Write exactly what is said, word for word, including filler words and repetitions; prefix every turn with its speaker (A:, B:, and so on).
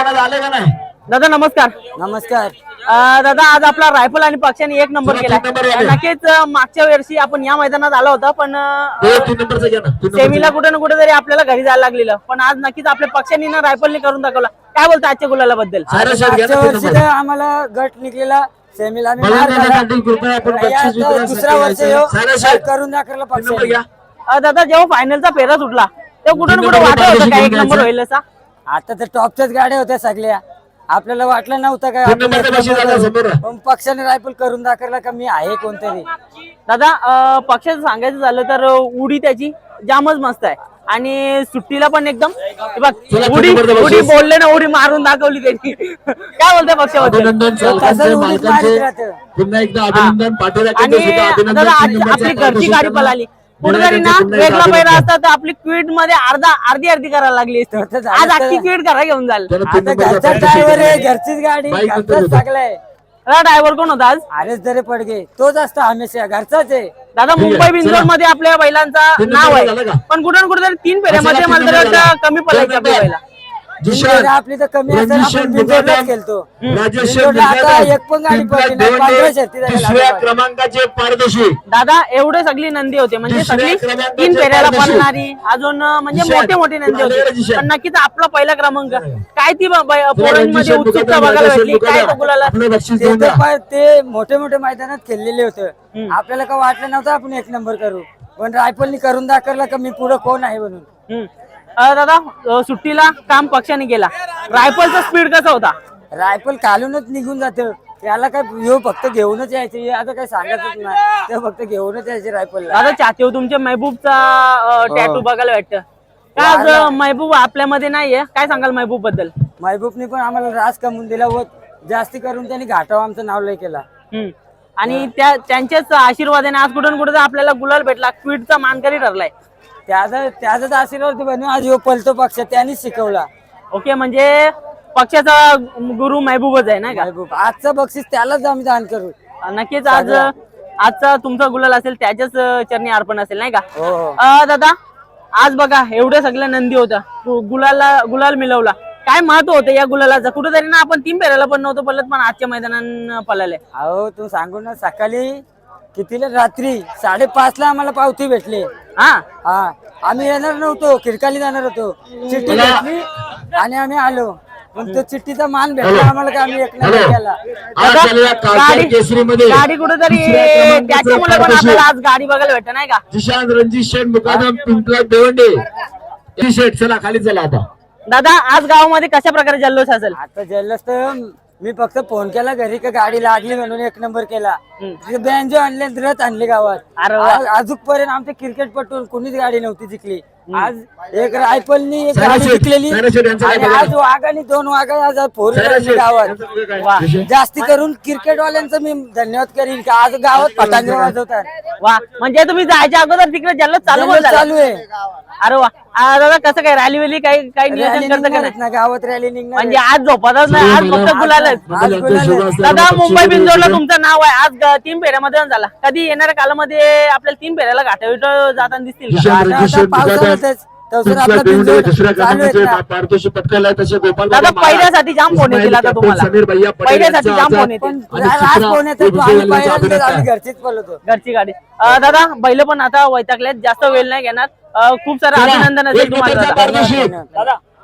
A: मैदानात आले का नाही?
B: दादा नमस्कार.
C: नमस्कार.
B: अं, दादा आज आपला रायफल आणि पक्षाने एक नंबर केला. नक्कीच अं, मागच्या वर्षी आपण या मैदानात आलो होता पण सेमीला कुठे ना कुठे तरी आपल्याला घरी जायला लागलेलं, पण आज नक्कीच आपल्या पक्षांनी ना रायफलने करून दाखवला. काय बोलता आजच्या गुलाला बद्दल?
C: मागच्या वर्षी तर आम्हाला गट निघलेला सेमीला आम्ही मार खाल्ला. दुसरा वर्ष ह्यो करून दाखवला पक्षाने.
B: अं, दादा जेव्हा फायनलचा फेरा सुटला तेव्हा कुठे ना कुठे वाटत होतं काय एक नंबर होईल असा?
C: आता तर टॉपच्याच गाड्या होत्या सगळ्या, आपल्याला वाटलं नव्हतं काय पण पक्षाने रायफल करून दाखवला का मी आहे कोणतरी.
B: दादा अं, पक्षाचं सांगायचं झालं तर उडी त्याची जामच मस्त आहे आणि सुट्टीला पण एकदम हे बघ, उडी उडी बोलले ना उडी मारून दाखवली त्यांनी. काय बोलताय पक्षाबद्दल?
A: पुन्हा एकदा अभिनंदन पाटील.
B: आणि दादा आज आपली घरची गाडी पळाली, कुठेतरी ना वेगळा पहिला असता तर आपली क्वीट मध्ये अर्धा अर्धी अर्धी करायला लागली असती. आज अख्खी क्वीट करा घेऊन जाल.
C: घरचा ड्रायव्हर आहे, घरचीच गाडी, घरचाच सगळं.
B: ड्रायव्हर कोण होता आज?
C: अरेच दरे पडगे तोच असतो हमेशा, घरचाच आहे.
B: दादा मुंबई बिंजोर मध्ये आपल्या बैलांचं नाव आहे, पण कुठे ना कुठेतरी तीन फेऱ्यामध्ये मला तर वाटतं कमी पडायचं आपल्या बैला.
C: आपली तर कमी असेल, आपण बिंजोरलाच खेळतो. आता एक पण गाडी पडली नाही, पंधरा शर्ती
A: दुसऱ्या क्रमांकाचे पारदर्शी.
B: दादा एवढे सगळी नंदी होते म्हणजे सगळी तीन फेऱ्याला पडणारी, अजून म्हणजे मोठे मोठे नंदी होते. पण नक्कीच आपला पहिला क्रमांक काय ती पोरांमध्ये उत्सुकता बघायला भेटली. काय तो गुलाला
C: ते मोठे मोठे मैदानात खेळलेले होते, आपल्याला का वाटलं नव्हतं आपण एक नंबर करू, पण रायफलनी करून दाखवला का मी पुढे कोण आहे म्हणून.
B: दादा सुट्टीला काम पक्षाने केला, रायफलचा स्पीड कसा होता?
C: रायफल खालूनच निघून जातं, त्याला काय ह्यो फक्त घेऊनच यायचे, आता काय सांगतच नाही, ते फक्त घेऊनच यायचे रायफल.
B: दादा चाहते तुमच्या महबूबचा टॅटू बघायला वाटतं का? आज महबूब आपल्यामध्ये नाहीये, काय सांगाल महबूब बद्दल?
C: महबूबने पण आम्हाला रास कमवून दिला व जास्ती करून त्यांनी घाटाव आमचं नाव लय केला.
B: आणि त्या त्यांच्याच आशीर्वादाने आज कुठून कुठे आपल्याला गुलाल भेटला, क्वीटचा मानकरी ठरलाय.
C: त्याचा त्याचाच आशीर्वाद बनून आज ह्यो पलतो पक्ष त्यांनीच शिकवला.
B: ओके, म्हणजे पक्षाचा गुरु महबूबच आहे ना का?
C: महबूब आजचं बक्षीस त्यालाच आम्ही दान करू.
B: नक्कीच आज आजचा तुमचा गुलाल असेल त्याच्याच चरणी अर्पण असेल नाही का?
C: हो.
B: दादा आज बघा एवढ्या सगळ्या नंदी होत्या, गुलाला गुलाल मिळवला, काय महत्व होतं या गुलालाचं? कुठेतरी ना आपण तीन फेऱ्याला पण नव्हतं पडलं, पण आजच्या मैदानात पळाले.
C: अहो तू सांगू ना, सकाळी कितीला रात्री साडेपाच ला आम्हाला पावती भेटली.
B: हा
C: हा आम्ही येणार नव्हतो, खिडकाली जाणार होतो, चिठ्ठी भेटली आणि आम्ही आलो, पण तो चिठ्ठीचा मान भेटला आम्हाला का आम्ही एक नंबर केला.
B: गाडी कुठेतरी त्याच्यामुळे पण आपल्याला आज गाडी बघायला भेटत नाही का?
A: जिशान रणजित शेठ मुकादम पिंपला देवंडे शेठ. चला खाली चला आता.
B: दादा आज गावामध्ये कशा प्रकारे जल्लोष असेल?
C: आता जल्लोष तर मी फक्त फोन केला घरी का गाडी लागली म्हणून एक नंबर केला. बँजो आणले, रथ आणले गावात. अजूनपर्यंत आमच्या क्रिकेटपटून कोणीच गाडी नव्हती जिंकली. आज एक रायफलनी एक गाडी जिंकलेली आणि आज वाघानी दोन वाघा आज फोर व्हीलर गावात. जास्ती करून क्रिकेटवाल्यांचं मी धन्यवाद करीन का आज गावात पतंग वाजवतात.
B: वा, म्हणजे तुम्ही जायच्या अगोदर तिकडे जल्लोष चालू
C: चालू आहे.
B: अरे वा. दादा कसं काय रॅली वेली काही काही नियोजन करतं का
C: ना? गावात रॅली निघणार
B: म्हणजे आज झोपतच नाही, आज फक्त गुलालच. दादा मुंबई बिंजोरला तुमचं नाव आहे, आज तीन फेऱ्यामध्ये झाला. कधी येणाऱ्या कालामध्ये आपल्याला तीन फेऱ्याला घाटाविट जाताना दिसतील का? दादा पहिल्यासाठी जाम फोन येतील आता तुम्हाला, पहिल्यासाठी जाम फोन येतील.
C: घरचीच पळतो,
B: घरची गाडी. दादा बैल पण आता वैतागल्यात, जास्त वेळ नाही घेणार. खूप सारं अभिनंदन असेल तुम्हाला दादा.